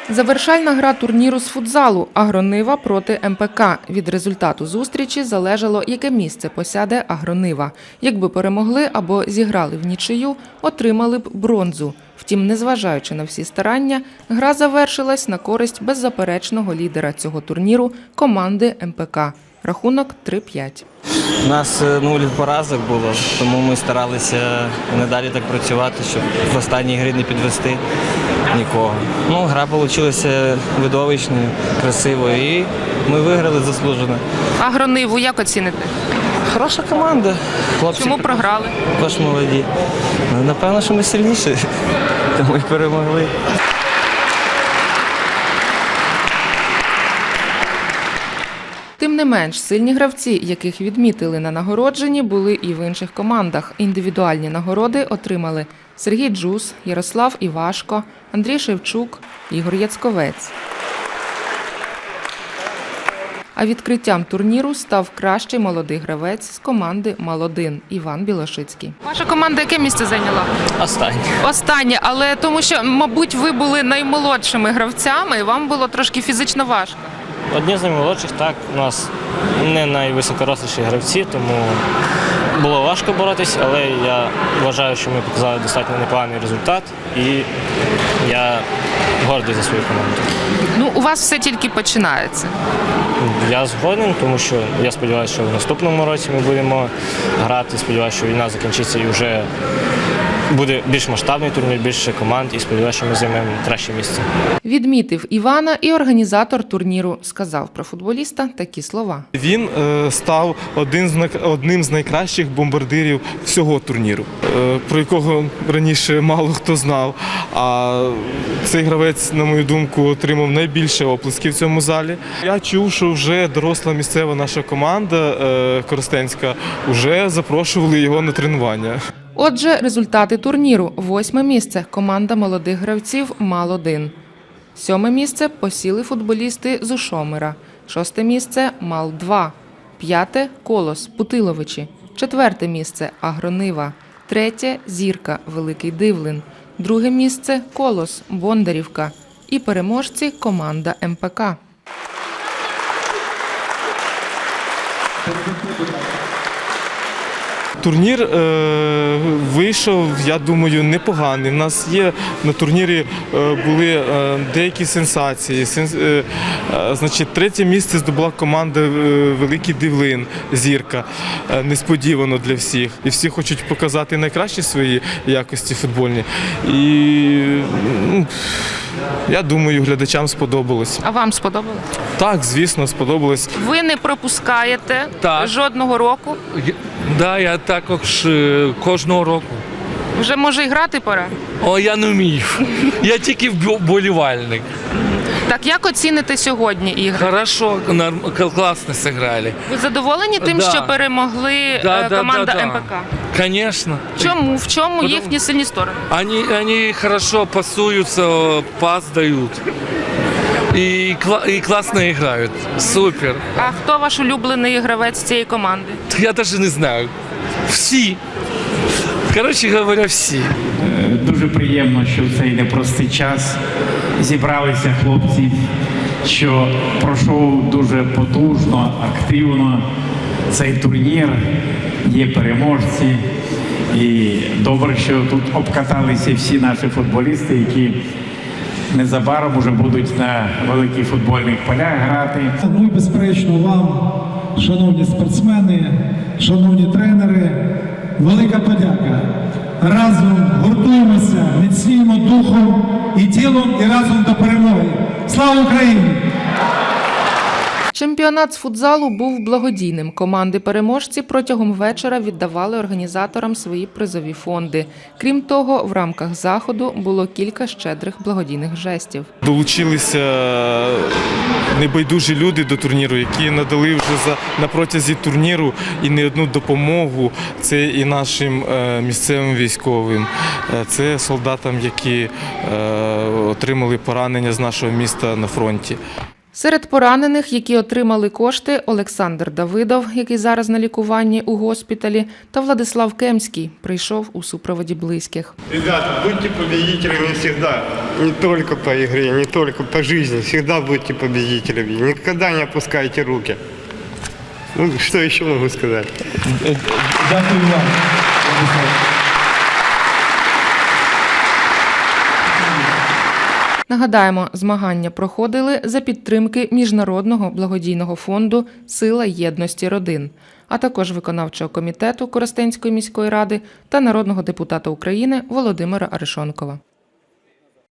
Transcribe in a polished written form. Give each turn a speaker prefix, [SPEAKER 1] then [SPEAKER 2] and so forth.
[SPEAKER 1] Завершальна гра турніру з футзалу «Агронива» проти МПК. Від результату зустрічі залежало, яке місце посяде «Агронива». Якби перемогли або зіграли в нічию, отримали б бронзу. Втім, незважаючи на всі старання, гра завершилась на користь беззаперечного лідера цього турніру – команди МПК. Рахунок 3-5.
[SPEAKER 2] У нас 0 поразок було, тому ми старалися не далі так працювати, щоб в останній грі не підвести нікого. Гра вийшла видовищною, красивою і ми виграли заслужено.
[SPEAKER 1] «Агрониву» як оціните?
[SPEAKER 2] Хороша команда. Хлопці
[SPEAKER 1] Чому програли?
[SPEAKER 2] також молоді. Напевно, що ми сильніші, тому і перемогли.
[SPEAKER 1] Тим не менш, сильні гравці, яких відмітили на нагородженні, були і в інших командах. Індивідуальні нагороди отримали Сергій Джус, Ярослав Івашко, Андрій Шевчук, Ігор Яцковець. А відкриттям турніру став кращий молодий гравець з команди «Мал-1» Іван Білошицький. Ваша команда яке місце зайняла?
[SPEAKER 2] Останнє.
[SPEAKER 1] Останнє, але тому що, мабуть, ви були наймолодшими гравцями і вам було трошки фізично важко.
[SPEAKER 3] Одні з наймолодших, так, у нас не найвисокоросліші гравці, тому було важко боротись, але я вважаю, що ми показали достатньо непоганий результат і я гордий за свою команду.
[SPEAKER 1] У вас все тільки починається.
[SPEAKER 3] Я згоден, тому що я сподіваюся, що в наступному році ми будемо грати, сподіваюся, що війна закінчиться і вже буде більш масштабний турнір, більше команд і сподіваюся, що ми займемо краще місце.
[SPEAKER 1] Відмітив Івана і організатор турніру. Сказав про футболіста такі слова.
[SPEAKER 4] Він став одним з найкращих бомбардирів всього турніру, про якого раніше мало хто знав. А цей гравець, на мою думку, отримав найбільше оплесків в цьому залі. Я чув, що вже доросла місцева наша команда коростенська вже запрошували його на тренування.
[SPEAKER 1] Отже, результати турніру. 8-ме місце – команда молодих гравців «Мал-1». 7-ме місце – посіли футболісти з Ушомира. 6-те місце – «Мал-2». 5-те – «Колос» Путиловичі. 4-те місце – «Агронива». 3-те – «Зірка» Великий Дивлин. 2-ге місце – «Колос» Бондарівка. І переможці – команда МПК.
[SPEAKER 4] Турнір вийшов, я думаю, непоганий. У нас є на турнірі були деякі сенсації. Значить, 3-те місце здобула команда Великий Дивлин, Зірка, несподівано для всіх. І всі хочуть показати найкращі свої якості футбольні. І я думаю, глядачам сподобалось.
[SPEAKER 1] А вам сподобалось?
[SPEAKER 4] Так, звісно, сподобалось.
[SPEAKER 1] Ви не пропускаєте жодного року?
[SPEAKER 5] Так, я також кожного року.
[SPEAKER 1] Вже, може, і грати пора?
[SPEAKER 5] Я не вмію. Я тільки вболівальник.
[SPEAKER 1] Так, як оціните сьогодні ігри?
[SPEAKER 5] Хорошо, класно зіграли.
[SPEAKER 1] Ви задоволені тим, що перемогли команда МПК?
[SPEAKER 5] Конечно.
[SPEAKER 1] Чому? В чому їхні сильні сторони?
[SPEAKER 5] Они хорошо пасуются, пас дают. И классно играют. Супер.
[SPEAKER 1] А хто ваш улюблений гравець цієї команди?
[SPEAKER 5] Я даже не знаю. Всі. Коротше говоря, всі.
[SPEAKER 6] Дуже приємно, що в цей непростий час зібралися хлопці, що пройшов дуже потужно, активно цей турнір, є переможці. І добре, що тут обкаталися всі наші футболісти, які незабаром вже будуть на великих футбольних полях грати.
[SPEAKER 7] Ну і безперечно вам, шановні спортсмени, шановні тренери, велика подяка. Разом гуртуємося, міцніємо духом і тілом, і разом до перемоги. Слава Україні!
[SPEAKER 1] Чемпіонат з футзалу був благодійним. Команди-переможці протягом вечора віддавали організаторам свої призові фонди. Крім того, в рамках заходу було кілька щедрих благодійних жестів.
[SPEAKER 4] Долучилися небайдужі люди до турніру, які надали вже на протязі турніру і не одну допомогу. Це і нашим місцевим військовим, це солдатам, які отримали поранення з нашого міста на фронті.
[SPEAKER 1] Серед поранених, які отримали кошти, Олександр Давидов, який зараз на лікуванні у госпіталі, та Владислав Кемський, прийшов у супроводі близьких.
[SPEAKER 8] Ребята, будьте победителями всегда. Не только по игре, не только по жизни. Всегда будьте победителями. Никогда не опускайте руки. Ну, что еще могу сказать?
[SPEAKER 7] Дякую вам.
[SPEAKER 1] Нагадаємо, змагання проходили за підтримки Міжнародного благодійного фонду «Сила єдності родин», а також виконавчого комітету Коростенської міської ради та народного депутата України Володимира Арешонкова.